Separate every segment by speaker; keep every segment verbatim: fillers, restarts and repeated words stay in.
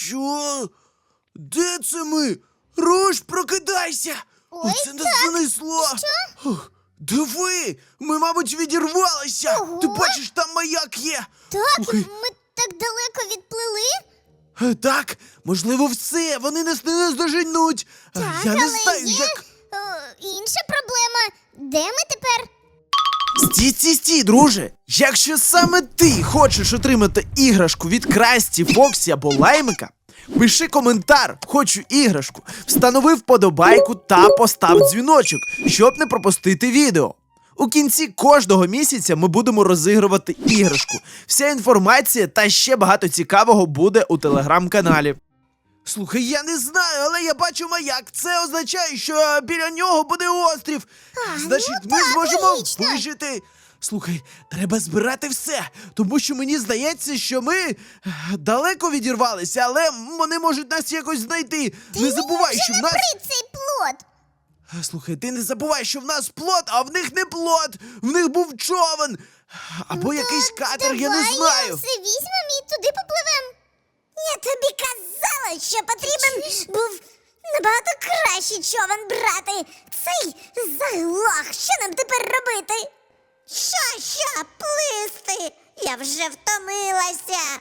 Speaker 1: Що? Де це ми? Руш, прокидайся!
Speaker 2: Ой,
Speaker 1: Оце нас занесло! Ох, диви! Ми, мабуть, відірвалися!
Speaker 2: Ого.
Speaker 1: Ти бачиш, там маяк є!
Speaker 2: Так,
Speaker 1: Слухай,
Speaker 2: ми так далеко відплили.
Speaker 1: е, так, можливо, все, вони нас не наздоженуть! Е,
Speaker 2: Так,
Speaker 1: Я не
Speaker 2: але
Speaker 1: знаю,
Speaker 2: є
Speaker 1: як...
Speaker 2: о, інша проблема. Де ми тепер?
Speaker 1: Стій, стій, стій, друже! Якщо саме ти хочеш отримати іграшку від Красті, Фоксі або Лаймика, пиши коментар «Хочу іграшку», встанови вподобайку та постав дзвіночок, щоб не пропустити відео. У кінці кожного місяця ми будемо розігрувати іграшку. Вся інформація та ще багато цікавого буде у телеграм-каналі. Слухай, я не знаю, але я бачу маяк. Це означає, що біля нього буде острів.
Speaker 2: А,
Speaker 1: Значить,
Speaker 2: ну
Speaker 1: ми
Speaker 2: так,
Speaker 1: зможемо
Speaker 2: логічно.
Speaker 1: вижити. Слухай, треба збирати все, тому що мені здається, що ми е, далеко відірвалися, але вони можуть нас якось знайти. Не забувай, що в нас...
Speaker 2: Набери цей плот.
Speaker 1: Слухай, ти не забувай, що в нас плот, а в них не плот. В них був човен. Або
Speaker 2: Ну,
Speaker 1: якийсь
Speaker 2: так,
Speaker 1: катер, я не
Speaker 2: давай
Speaker 1: знаю.
Speaker 2: все візьмемо і туди попливемо. Я тобі казала, що потрібен був набагато кращий човен брати. Цей заглох. Що нам тепер робити? Що, що, плисти? Я вже втомилася.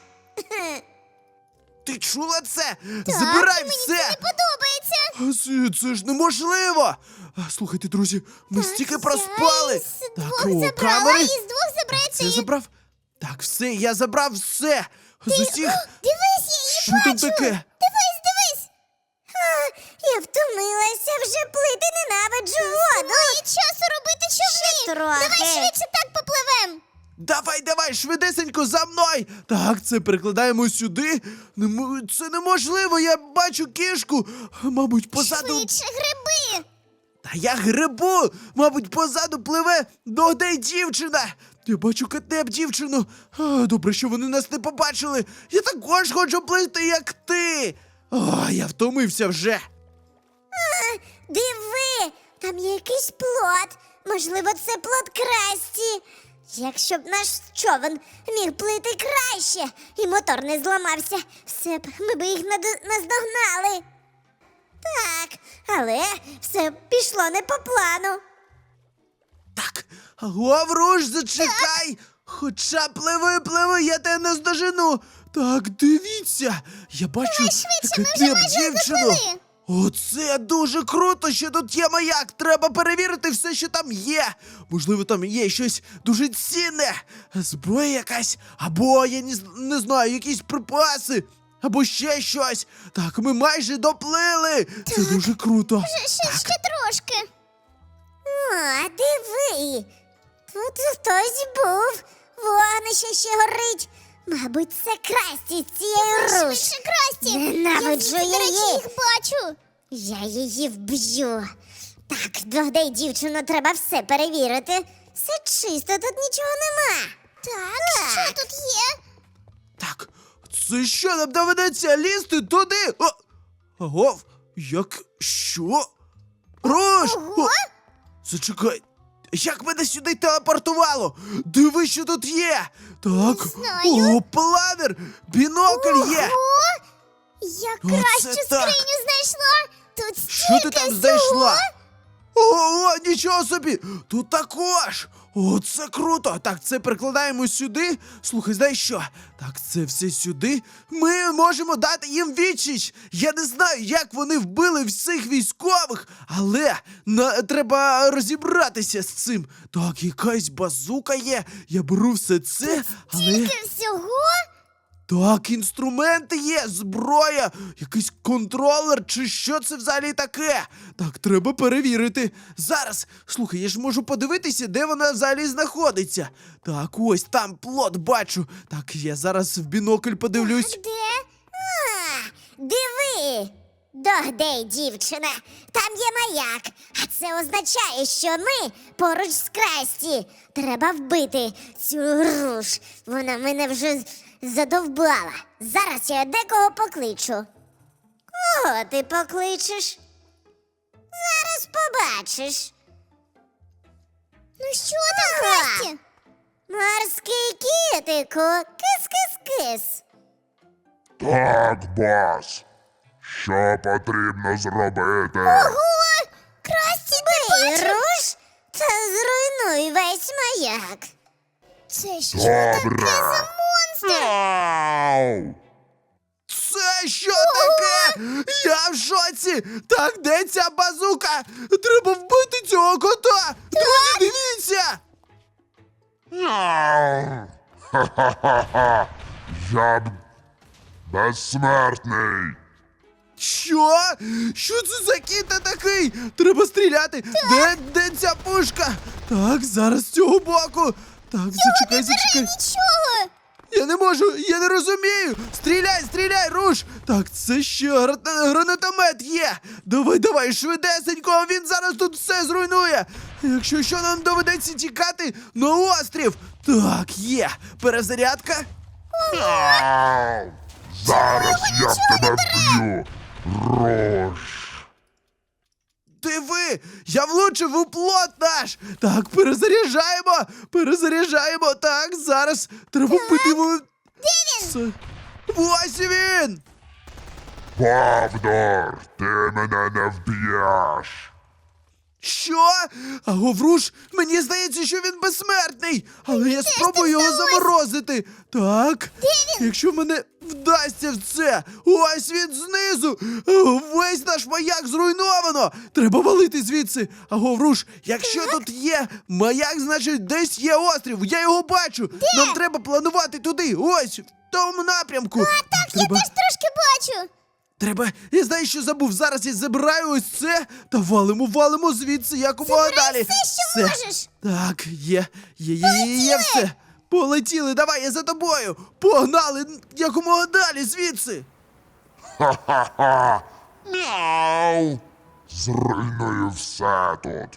Speaker 1: Ти чула це? Забирай
Speaker 2: мені
Speaker 1: все!
Speaker 2: це не подобається.
Speaker 1: А Це, це ж неможливо! А, Слухайте, друзі, ми стільки проспали!
Speaker 2: Я із
Speaker 1: Так,
Speaker 2: двох
Speaker 1: о,
Speaker 2: забрала,
Speaker 1: камери.
Speaker 2: із двох забрати.
Speaker 1: Це забрав? Так, все, я забрав все! З усіх...
Speaker 2: Дивись, я її
Speaker 1: Що
Speaker 2: бачу.
Speaker 1: там таке?
Speaker 2: Дивись, дивись. А, я втомилася, вже плити ненавиджу воду. Немає часу робити човни.
Speaker 3: трохи.
Speaker 2: Давай швидше так попливем.
Speaker 1: Давай, давай, швидесенько, за мною! Так, це перекладаємо сюди. Немо- Це неможливо, я бачу кішку. Мабуть, позаду...
Speaker 2: Швидше гриби.
Speaker 1: Та я грибу! Мабуть, позаду пливе догдай дівчина! Я бачу катеп дівчину. А, добре, що вони нас не побачили. Я також хочу плисти, як ти. О, я втомився вже.
Speaker 2: Диви, там є якийсь плот. Можливо, це плот Красті. Якщо б наш човен міг плити краще і мотор не зламався, все б ми б їх наду- наздогнали. Так, але все пішло не по плану.
Speaker 1: Так, Лавруш, зачекай! Хоча пливи, пливи, я тебе не здожену. Так, дивіться, я бачу
Speaker 2: Давай швидше, ми вже
Speaker 1: катеп
Speaker 2: майже
Speaker 1: дівчину.
Speaker 2: доплили.
Speaker 1: Оце дуже круто, що тут є маяк. Треба перевірити все, що там є. Можливо, там є щось дуже цінне. Зброя якась, або я не, з- не знаю, якісь припаси, або ще щось. Так, ми майже доплили. Це дуже круто.
Speaker 2: Ще, ще, ще трошки. О, диви. Тут хтось був. Вогнище ще горить. Мабуть, це Красті з цією руш. Швидше, Красті.
Speaker 3: Ненавиджу
Speaker 2: я, звідси, до речі,
Speaker 3: її.
Speaker 2: їх бачу.
Speaker 3: Я її вб'ю. Так, догдай дівчину, треба все перевірити. Все чисто, тут нічого нема.
Speaker 2: Так, що тут є?
Speaker 1: Так, це що, нам доведеться лізти туди? О! Агов, як? Що? Рош!
Speaker 2: Ого!
Speaker 1: О! Зачекай, як мене сюди телепортувало? Диви, що тут є! Так,
Speaker 2: знаю.
Speaker 1: о, планер! Бінокль є!
Speaker 2: Ого! Я
Speaker 1: Оце
Speaker 2: кращу
Speaker 1: так.
Speaker 2: скриню знайшла. Тут
Speaker 1: Що
Speaker 2: стільки
Speaker 1: ти там
Speaker 2: всього.
Speaker 1: знайшла? Ого, нічого собі! Тут також! О, це круто! Так, це перекладаємо сюди. Слухай, знаєш що? Так, це все сюди. Ми можемо дати їм відсіч. Я не знаю, як вони вбили всіх військових, але на, треба розібратися з цим. Так, якась базука є. Я беру все це, але...
Speaker 2: Стільки всього?
Speaker 1: Так, інструменти є, зброя, якийсь контролер, чи що це взагалі таке? Так, треба перевірити. Зараз, слухай, я ж можу подивитися, де вона взагалі знаходиться. Так, ось там плот бачу. Так, я зараз в бінокль подивлюсь.
Speaker 2: Де?
Speaker 3: А, диви! Догдай, дівчина, там є маяк, а це означає, що ми поруч з Красті. Треба вбити цю руш. Вона мене вже задовбала. Зараз я декого покличу. Кого ти покличеш? Зараз побачиш.
Speaker 2: Ну що там, Красті?
Speaker 3: Морський кітику, кис-кис-кис.
Speaker 4: Так, бос. Що потрібно зробити?
Speaker 3: Ого! Красті, ти
Speaker 2: Бий
Speaker 3: бачив?
Speaker 2: руш та зруйнуй весь маяк.
Speaker 3: Це що
Speaker 4: Добре.
Speaker 3: таке за монстр?
Speaker 4: Ау!
Speaker 1: Це що таке? Я в шоці! Так, де ця базука? Треба вбити цього кота! Друзі, дивіться!
Speaker 4: Ау! Ха-ха-ха-ха! Я б... безсмертний!
Speaker 1: Що? Що це за кіта такий? Треба стріляти! Де, де ця пушка? Так, зараз з цього боку. Так, зачекай, зачекай.
Speaker 3: Нічого!
Speaker 1: Я не можу, я не розумію. Стріляй, стріляй, руш. Так, це ще гра- гранатомет є. Давай, давай, швидесенько, він зараз тут все зруйнує. Якщо що, нам доведеться тікати на острів. Так, є. Перезарядка.
Speaker 4: Ау! Зараз я тебе вб'ю! Рош!
Speaker 1: Диви, я влучив у плот наш. Так, перезаряджаємо, перезаряджаємо. Так, зараз треба вбити його. Де він? Ось він.
Speaker 4: Павдор, ти мене не вб'єш!
Speaker 1: Що? А Говруш, мені здається, що він безсмертний. Але я спробую його заморозити. Так, якщо мене вдасться в це. Ось він знизу. Весь наш маяк зруйновано. Треба валити звідси. А Говруш, якщо тут є маяк, значить десь є острів. Я його бачу. Нам треба планувати туди. Ось, в тому напрямку. А, так, треба...
Speaker 3: Я теж трошки бачу.
Speaker 1: Треба, я знаю, що забув. Зараз я забираю ось це та валимо, валимо звідси якомога
Speaker 3: Забирай
Speaker 1: далі.
Speaker 3: все, що можеш.
Speaker 1: Так, є, є, є, є, є все. Полетіли, давай, я за тобою. Погнали якомога далі звідси.
Speaker 4: Ха-ха-ха! Мяу! Зруйную все тут!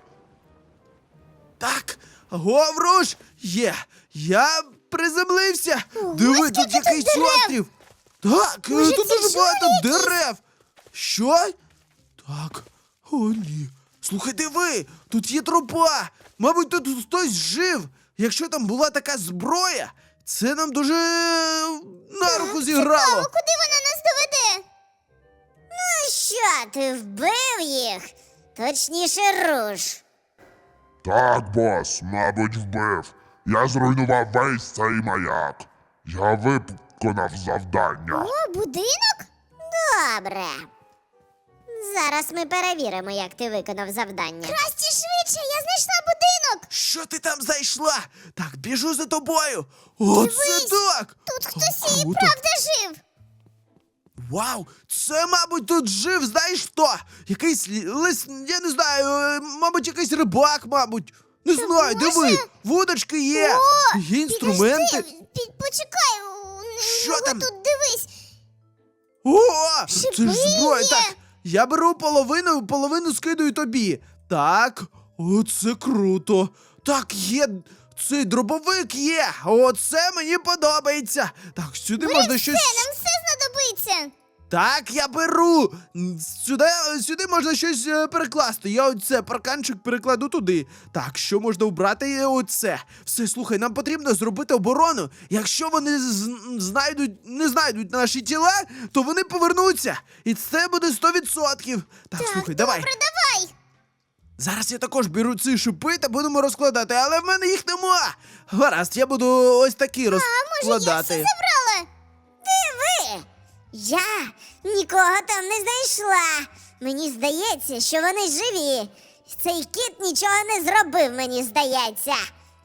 Speaker 1: Так, Говруш, є. Я приземлився. Диви,
Speaker 3: скільки
Speaker 1: тут
Speaker 3: тут
Speaker 1: якийсь
Speaker 3: дерев.
Speaker 1: острів. Так,
Speaker 3: Може,
Speaker 1: тут
Speaker 3: це
Speaker 1: дуже багато
Speaker 3: жори якісь?
Speaker 1: дерев. Що? Так, о ні. Слухай, диви, тут є тропа. Мабуть, тут хтось жив. Якщо там була така зброя, це нам дуже на руку зіграло.
Speaker 3: Цікаво, куди вона нас доведе?
Speaker 2: Ну що, ти вбив їх? Точніше, руш.
Speaker 4: Так, бос, мабуть, вбив. Я зруйнував весь цей маяк. Я виконав завдання.
Speaker 3: О, будинок?
Speaker 2: Добре. Зараз ми перевіримо, як ти виконав завдання.
Speaker 3: Красті, швидше, я знайшла будинок.
Speaker 1: Що ти там знайшла? Так, біжу за тобою. Оце
Speaker 3: Дивись,
Speaker 1: так.
Speaker 3: Тут
Speaker 1: О,
Speaker 3: хтось і
Speaker 1: круто.
Speaker 3: правда жив.
Speaker 1: Вау, це, мабуть, тут жив, знаєш хто? Якийсь лі- лис, я не знаю, е, мабуть, якийсь рибак, мабуть. Не знаю,
Speaker 3: може?
Speaker 1: диви, вудочки є,
Speaker 3: О,
Speaker 1: є інструменти.
Speaker 3: Підожди, під, почекай, у,
Speaker 1: Що
Speaker 3: ну,
Speaker 1: там?
Speaker 3: тут дивись.
Speaker 1: О, це
Speaker 3: Шипи
Speaker 1: ж зброя.
Speaker 3: є.
Speaker 1: Так, я беру половину, половину скидаю тобі. Так, оце круто. Так, є, цей дробовик є. Оце мені подобається. Так, сюди можна щось.
Speaker 3: Це нам все знадобиться.
Speaker 1: Так, я беру. М, Сюди, сюди можна щось е, перекласти. Я оце парканчик перекладу туди. Так, що можна вбрати? Е, Оце. Все, слухай, нам потрібно зробити оборону. Якщо вони з- знайдуть, не знайдуть наші тіла, то вони повернуться. І це буде сто відсотків. Так,
Speaker 3: Так,
Speaker 1: слухай,
Speaker 3: добре,
Speaker 1: давай.
Speaker 3: давай.
Speaker 1: Зараз я також беру ці шипи та будемо розкладати, але в мене їх нема. Гаразд, я буду ось такі
Speaker 3: А може, я
Speaker 1: розкладати.
Speaker 3: всі забрала?
Speaker 2: Диви! Я нікого там не знайшла. Мені здається, що вони живі. Цей кіт нічого не зробив, мені здається.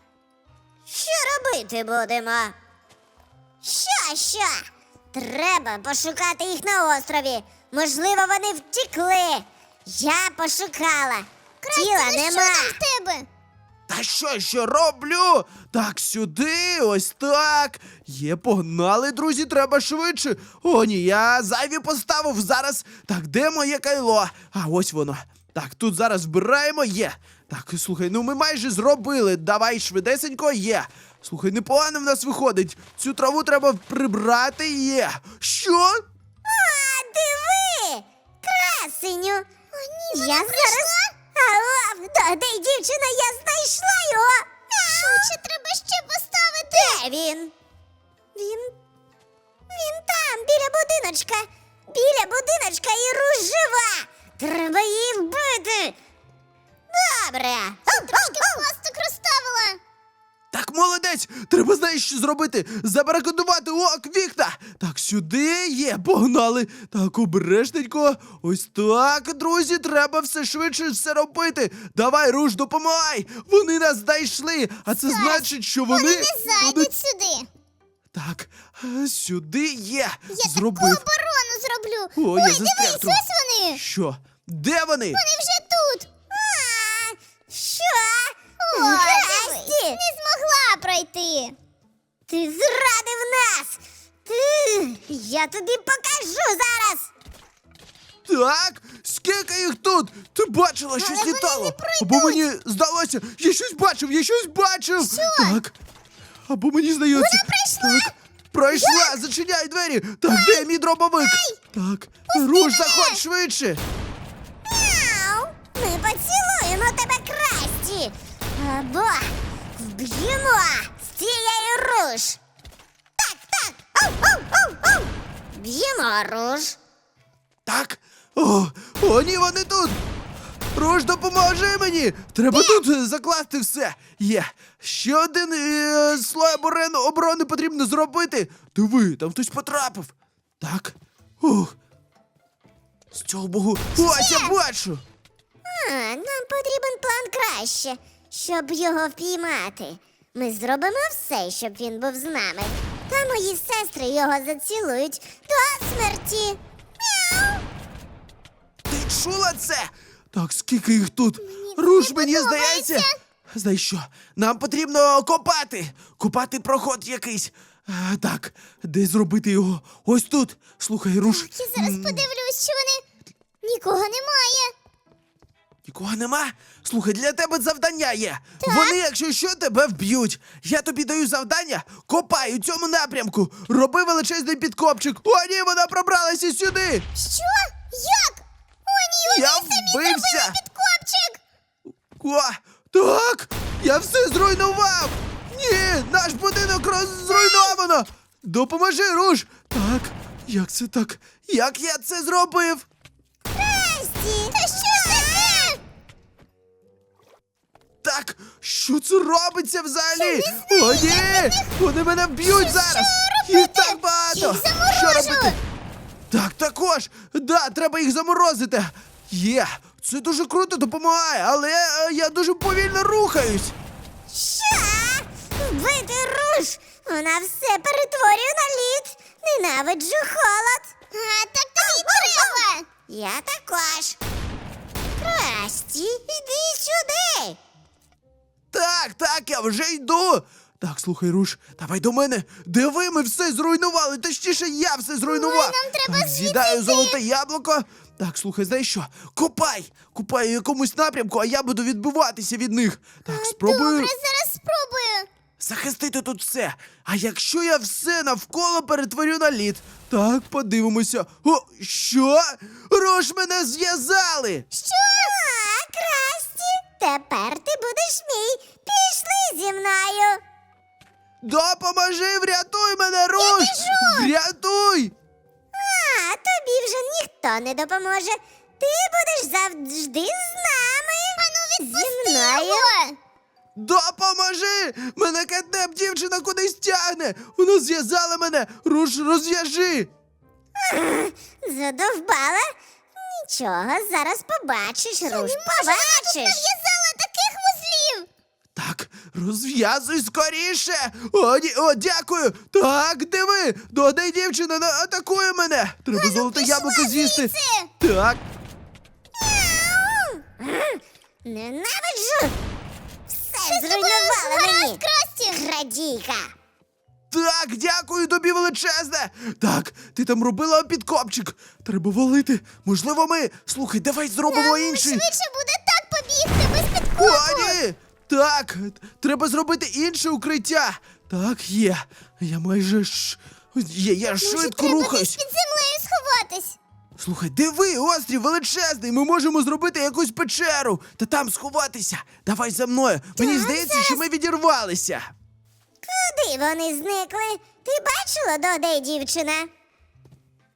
Speaker 2: Що робити будемо? Що, що? Треба пошукати їх на острові. Можливо, вони втекли. Я пошукала. Тіла
Speaker 3: Ну, що
Speaker 2: нема.
Speaker 3: там в тебе?
Speaker 1: Та що, що роблю? Так, сюди, ось так. Є, погнали, друзі, треба швидше. О, ні, я зайві поставив зараз. Так, де моє кайло? А, ось воно. Так, тут зараз збираємо, є. Так, слухай, ну ми майже зробили. Давай швидесенько, є. Слухай, непогано в нас виходить. Цю траву треба прибрати, є. Що?
Speaker 2: А, диви! Красеню!
Speaker 3: О, ні,
Speaker 2: Я зараз. Алло, да, де дівчина, я знайшла його!
Speaker 3: Швидше треба ще поставити.
Speaker 2: Де він? Він. Він там, біля будиночка. Біля будиночка і Руш жива. Треба її вбити. Добре.
Speaker 3: Трошки пасток розставила.
Speaker 1: Так, молодець! Треба, знаєш, що зробити? Забарикадувати ок, вікна! Так, сюди є, погнали! Так, обережненько. Ось так, друзі, треба все швидше все робити. Давай, Руш, допомагай! Вони нас знайшли, а це значить, що вони...
Speaker 3: Вони не зайдуть
Speaker 1: будуть-
Speaker 3: сюди.
Speaker 1: Так, е, сюди є.
Speaker 3: Я
Speaker 1: Зробив.
Speaker 3: таку оборону зроблю.
Speaker 1: О, я
Speaker 3: Ой,
Speaker 1: застряг
Speaker 3: дивись,
Speaker 1: трохи.
Speaker 3: ось вони.
Speaker 1: Що? Де вони?
Speaker 3: Вони вже тут.
Speaker 2: А, що?
Speaker 3: Ой, дивись,
Speaker 2: Красті,
Speaker 3: не змогла пройти.
Speaker 2: ти зрадив нас. Ти, я тобі покажу зараз.
Speaker 1: Так, скільки їх тут? Ти бачила, щось
Speaker 3: вони
Speaker 1: літало?
Speaker 3: не пройдуть.
Speaker 1: Або мені здалося, я щось бачив, я щось бачив. Так. Або мені здається.
Speaker 3: Вона пройшла.
Speaker 1: Так. Пройшла, зачиняй двері. Так, де мій дробовик? Так, Руш, заходь швидше.
Speaker 2: Мяу. Ми поцілуємо тебе, Красті. Або вб'ємо з цієї Руш. Так, так. Оу, оу, оу, оу. Б'ємо Руш.
Speaker 1: Так. О, о, ні, вони тут. Руш, допоможи мені. Треба тут е, закласти все. Є. Ще один е, слой оборони, оборони потрібно зробити. Диви, там хтось потрапив. Так. Ух. З цього богу. Ось я бачу.
Speaker 2: А, нам потрібен план краще, щоб його впіймати. Ми зробимо все, щоб він був з нами. Та мої сестри його зацілують до смерті. Мяу!
Speaker 1: Ти чула це? Так, скільки їх тут? Руш, мені
Speaker 3: подобається.
Speaker 1: здається. Знаєш що? Нам потрібно копати. Копати проход якийсь. А, так, де зробити його? Ось тут. Слухай, Руш.
Speaker 3: Я зараз
Speaker 1: м,
Speaker 3: подивлюсь, що вони... Нікого немає.
Speaker 1: Нікого нема? Слухай, для тебе завдання є. Вони, якщо що, тебе вб'ють. Я тобі даю завдання, копай у цьому напрямку. Роби величезний підкопчик. О, ні, вона пробралася сюди.
Speaker 3: Що? Як? О, ні,
Speaker 1: Я
Speaker 3: вони самі
Speaker 1: вбився.
Speaker 3: зробили підкопчик.
Speaker 1: О, так, я все зруйнував. Ні, наш будинок роз- зруйновано. Допоможи, Руш. Так, як це так? Як я це зробив?
Speaker 2: Красті!
Speaker 3: Та що таке?
Speaker 1: Так, що це робиться взагалі? О, ні! Вони мене вб'ють зараз! Їх так багато!
Speaker 3: Їх заморожу!
Speaker 1: Що робити? Так, також! Да, треба їх заморозити! Є! Це дуже круто допомагає, але е, я дуже повільно рухаюсь!
Speaker 2: Що? Вбити Руш! Вона все перетворює на лід! Ненавиджу холод!
Speaker 3: А, так тобі й треба.
Speaker 2: Я також! Красті, іди сюди!
Speaker 1: Так, так, я вже йду! Так, слухай, Руш, давай до мене. Диви, ми все зруйнували. Точніше, я все зруйнував.
Speaker 3: Ой, нам треба
Speaker 1: так,
Speaker 3: звідси
Speaker 1: з'їдаю
Speaker 3: йти.
Speaker 1: золоте яблуко. Так, слухай, знаєш що? Копай! Копай у якомусь напрямку, а я буду відбиватися від них. Так, спробую
Speaker 3: Добре, зараз спробую.
Speaker 1: захистити тут все. А якщо я все навколо перетворю на лід? Так, подивимося. О, що? Руш, мене зв'язали!
Speaker 2: Що? А, Красті, тепер ти будеш мій. Пішли зі мною.
Speaker 1: Допоможи, врятуй мене, Руш! Врятуй!
Speaker 2: А, тобі вже ніхто не допоможе. Ти будеш завжди з нами.
Speaker 3: Ану,
Speaker 2: Зі
Speaker 3: відпусти
Speaker 2: мною.
Speaker 3: його.
Speaker 1: Допоможи! Мене кетнеп дівчина кудись тягне! Вона зв'язала мене! Руш, розв'яжи!
Speaker 2: Задовбала? Нічого, зараз побачиш, Руш,
Speaker 3: Вона тут
Speaker 2: побачиш.
Speaker 3: нав'язала таких вузлів.
Speaker 1: Так, розв'язуй скоріше! О, ні, о, дякую! Так, диви! Додай дівчина на- атакує мене! Треба золоте
Speaker 3: пішла
Speaker 1: яблуко з'їсти!
Speaker 3: звідси.
Speaker 1: Так,
Speaker 2: Ненавиджу! Все
Speaker 3: Що з тобою
Speaker 2: зруйнувала
Speaker 3: гаразд,
Speaker 2: мені!
Speaker 3: Красті?
Speaker 2: Крадійка!
Speaker 1: так, дякую тобі величезне! Так, ти там робила підкопчик! Треба валити! Можливо, ми. Слухай, давай зробимо
Speaker 3: Нам
Speaker 1: інший!
Speaker 3: швидше буде так побігти без підкопу.
Speaker 1: О, ні! Так, треба зробити інше укриття. Так, є. Я майже ж. Є, я
Speaker 3: Може,
Speaker 1: швидко
Speaker 3: треба
Speaker 1: рухаюсь.
Speaker 3: десь під землею сховатись.
Speaker 1: Слухай, диви, острів величезний. Ми можемо зробити якусь печеру та там сховатися. Давай за мною. Мені
Speaker 2: Так,
Speaker 1: здається, що ми відірвалися.
Speaker 2: Куди вони зникли? Ти бачила, Доде, дівчина?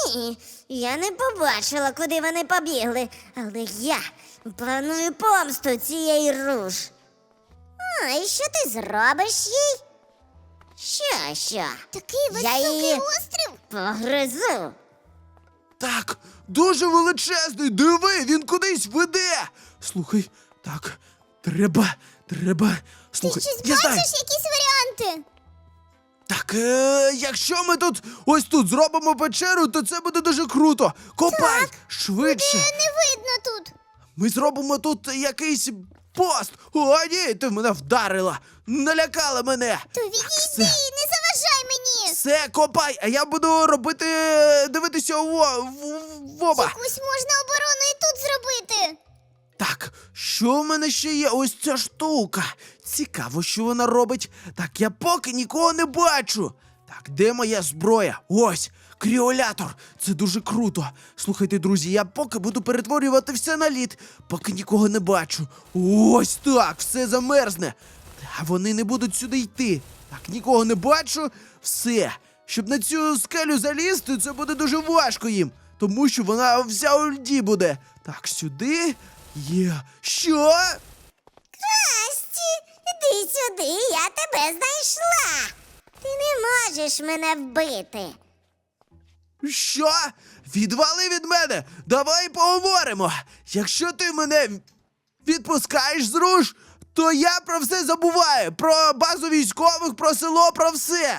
Speaker 2: Ні, я не побачила, куди вони побігли, але я планую помсту цієї руж.
Speaker 3: А, і що ти зробиш їй?
Speaker 2: Що, що?
Speaker 3: Такий
Speaker 2: Я
Speaker 3: високий
Speaker 2: її
Speaker 3: острів.
Speaker 2: погризу.
Speaker 1: Так, дуже величезний, диви, він кудись веде. Слухай, так, треба, треба. Слухай,
Speaker 3: Щось
Speaker 1: я знаю.
Speaker 3: бачиш, якісь варіанти?
Speaker 1: Так, е, якщо ми тут ось тут зробимо печеру, то це буде дуже круто. Копай швидше.
Speaker 3: Не видно тут.
Speaker 1: Ми зробимо тут якийсь пост. О, ні, ти мене вдарила. Налякала мене.
Speaker 3: То
Speaker 1: Так,
Speaker 3: відійди,
Speaker 1: все,
Speaker 3: не заважай мені.
Speaker 1: все, копай, а я буду робити, дивитися в, в, в оба.
Speaker 3: Якусь можна оборону і тут зробити.
Speaker 1: Так, що в мене ще є? Ось ця штука. Цікаво, що вона робить. Так, я поки нікого не бачу. Так, де моя зброя? Ось, кріолятор. Це дуже круто. Слухайте, друзі, я поки буду перетворювати все на лід, поки нікого не бачу. Ось так, все замерзне. А вони не будуть сюди йти. Так, нікого не бачу. Все. Щоб на цю скелю залізти, це буде дуже важко їм. Тому що вона вся у льді буде. Так, сюди. Є. Що?
Speaker 2: Красті, іди сюди, я тебе знайшла. Ти не можеш мене вбити.
Speaker 1: Що? Відвали від мене! Давай поговоримо! Якщо ти мене відпускаєш з руш, то я про все забуваю. Про базу військових, про село, про все.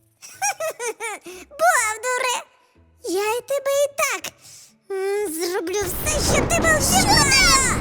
Speaker 2: Бовдуре, я і тебе і так м, зроблю все, щоб ти був зі мною.